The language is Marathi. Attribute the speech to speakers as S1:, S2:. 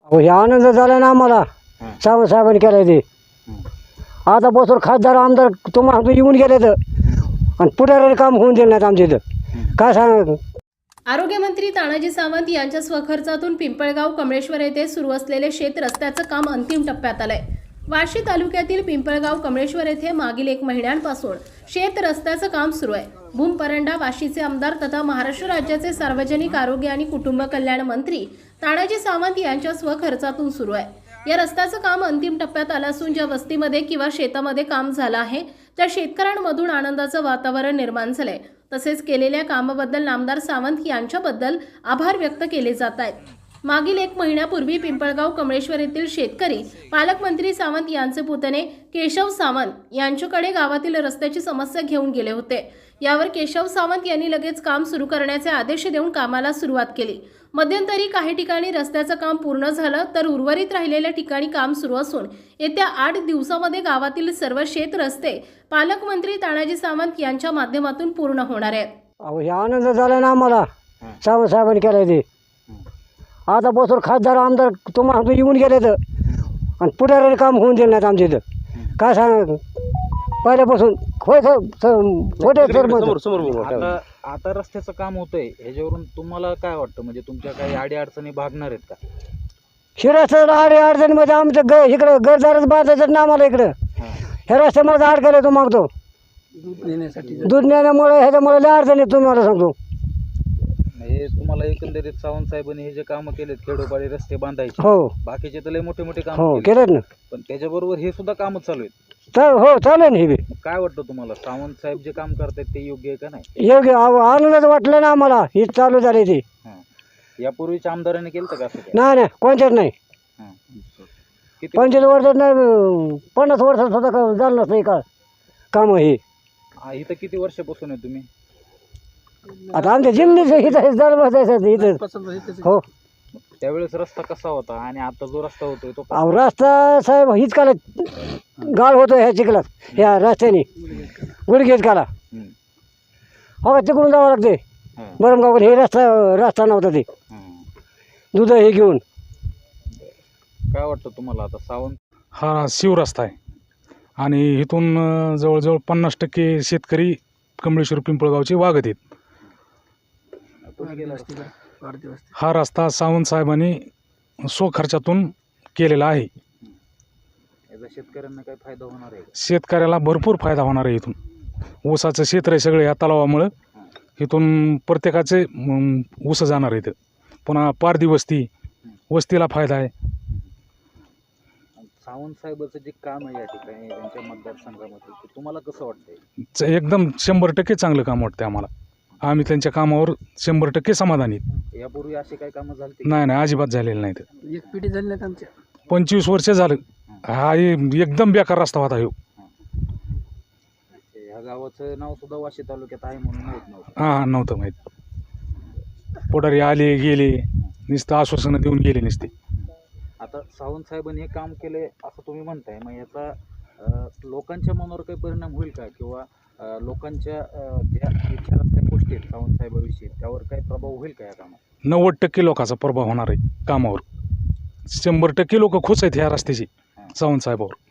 S1: हो, हे आनंद झाला ना आम्हाला. सावंत साहेबांनी केलं ते. आता बसून खासदार आमदार तुम्हाला येऊन गेले तर आणि पुढाऱ्याने काम होऊन दिलं नाहीत आमच्या इथं. काय सांग.
S2: आरोग्यमंत्री तानाजी सावंत यांच्या स्वखर्चातून पिंपळगाव कमळेश्वर येथे सुरू असलेले शेत रस्त्याचं काम अंतिम टप्प्यात आलंय. वाशी तालुक्यातील पिंपळगाव कमळेश्वर येथे मागील 1 महिन्यांपासून शेत रस्त्याचं काम सुरू आहे. भूम परंडा वाशीचे आमदार तथा महाराष्ट्र राज्याचे सार्वजनिक आरोग्य आणि कुटुंब कल्याण मंत्री तानाजी सावंत यांच्या स्वखर्चातून सुरू आहे. या रस्त्याचं काम अंतिम टप्प्यात आलं असून ज्या वस्तीमध्ये किंवा शेतामध्ये काम झालं आहे त्या शेतकऱ्यांमधून आनंदाचं वातावरण निर्माण झालंय. तसेच केलेल्या कामाबद्दल नामदार सावंत यांच्याबद्दल आभार व्यक्त केले जात आहेत. मागील 1 महिन्यापूर्वी पिंपळगाव कमळेश्वर येथील शेतकरी पालकमंत्री सावंत यांचे पुतणे केशव सावंत यांच्याकडे गावातील रस्त्याची समस्या घेऊन गेले होते. यावर केशव सावंत यांनी लगेच काम सुरू करण्याचे आदेश देऊन कामाला सुरुवात केली. मध्यंतरी काही ठिकाणी रस्त्याचं काम पूर्ण झालं तर उर्वरित राहिलेल्या ठिकाणी काम सुरू असून येत्या 8 दिवसामध्ये गावातील सर्व शेत रस्ते पालकमंत्री तानाजी सावंत यांच्या माध्यमातून पूर्ण होणार आहेत.
S1: अहो, हे आनंद झाला ना आम्हाला. सावंत साहेबांनी केलं ते. आता बसून खासदार आमदार तुम्हाला येऊन गेले तर आणि पुढाऱ्याने काम होऊन दिलं नाहीत आमच्या इथं. काय सांग. पहिल्यापासून होय छोटे
S3: आता आता रस्त्याचं काम होतंय ह्याच्यावरून तुम्हाला काय वाटतं, म्हणजे तुमच्या काही अडी अडचणी भागणार आहेत का?
S1: शिराचं अडचणीमध्ये आमचं इकडं घरदारच बांधायचं ना आम्हाला. इकडं ह्या रस्त्यामध्ये अडकायला तो मागतो दूध नेण्यामुळे ह्याच्यामुळे लय अडचणी तुम्हाला सांगतो.
S3: हे तुम्हाला एकंदरीत सावंत साहेबांनी हे जे कामं केलेत खेडोपाडी रस्ते बांधायचे,
S1: हो
S3: बाकीचे तर लय मोठे मोठे काम
S1: हो केलेत ना.
S3: पण त्याच्याबरोबर हे सुद्धा कामं चालू आहेत.
S1: हो चालेल ना. हे बी
S3: काय वाटतं तुम्हाला, सावंत साहेब जे काम करतायत ते योग्य आहे का नाही?
S1: योग्य. आनंदच वाटलं ना आम्हाला. ही चालू झाली ती.
S3: यापूर्वीच्या आमदारांनी केलं का असं?
S1: नाही कोणत्याच नाही.
S3: किती
S1: 25 वर्षात नाही 50 वर्षात सुद्धा झालं नसतं का काम हे.
S3: इथं किती वर्षापासून आहे तुम्ही?
S1: आता आमच्या जिमनीच इथं झालं बसायचं इथं. हो.
S3: त्यावेळेस रस्ता कसा होता आणि आता जो रस्ता होतोय तो
S1: अहो, रस्ता साहेब हीच काला गाळ होतो ह्या चिखलात. ह्या रस्त्याने गुडघेच काला. हो तिकडून जावं लागते बरमगावकडे. हे रस्ता नव्हता ते दूध हे घेऊन.
S3: काय वाटतं तुम्हाला आता सावंत?
S4: हा शिवरस्ता आहे आणि इथून जवळजवळ 50% शेतकरी कमळेश्वर पिंपळगावचे वागत आहेत. हा रस्ता सावंत साहेबांनी स्वखर्चातून केलेला आहे.
S3: याचा शेतकऱ्यांना काय फायदा होणार आहे?
S4: शेतकऱ्याला भरपूर फायदा होणार आहे. इथून ऊसाचं क्षेत्र आहे सगळे या तलावामुळं. इथून प्रत्येकाचे ऊस जाणार आहे. पुन्हा पारधी वस्तीला फायदा आहे.
S3: सावंत साहेबाचं जे काम आहे या ठिकाणी त्यांच्या मतदारसंघामध्ये ते तुम्हाला कसं वाटतंय?
S4: एकदम 100% चांगलं काम वाटतं आम्हाला. आम्ही त्यांच्या कामावर 100% समाधानी आहेत.
S3: यापूर्वी असे काही कामं झाले?
S4: नाही अजिबात झालेलं नाही.
S1: एक पिढी झाली नाही आमच्या.
S4: 25 वर्ष झालं. हा एकदम बेकार रस्ता होता ह्यो.
S3: ह्या गावाचं नाव सुद्धा वाशी तालुक्यात आहे म्हणून माहीत नव्हतं.
S4: हां नव्हतं माहीत. पुढारी आले गेले नुसतं आश्वासनं देऊन गेले नुसते.
S3: आता सावंत साहेबांनी हे काम केले असं तुम्ही म्हणताय, मग याचा लोकांच्या मनावर काही परिणाम होईल का, किंवा लोकांच्या ज्या विचारातल्या गोष्टी आहेत सावंत साहेबांविषयी त्यावर काही प्रभाव होईल का या कामात?
S4: 90% लोकांचा प्रभाव होणार आहे कामावर. 100% लोक खुश आहेत ह्या रस्त्याची सावंत साहेबावर.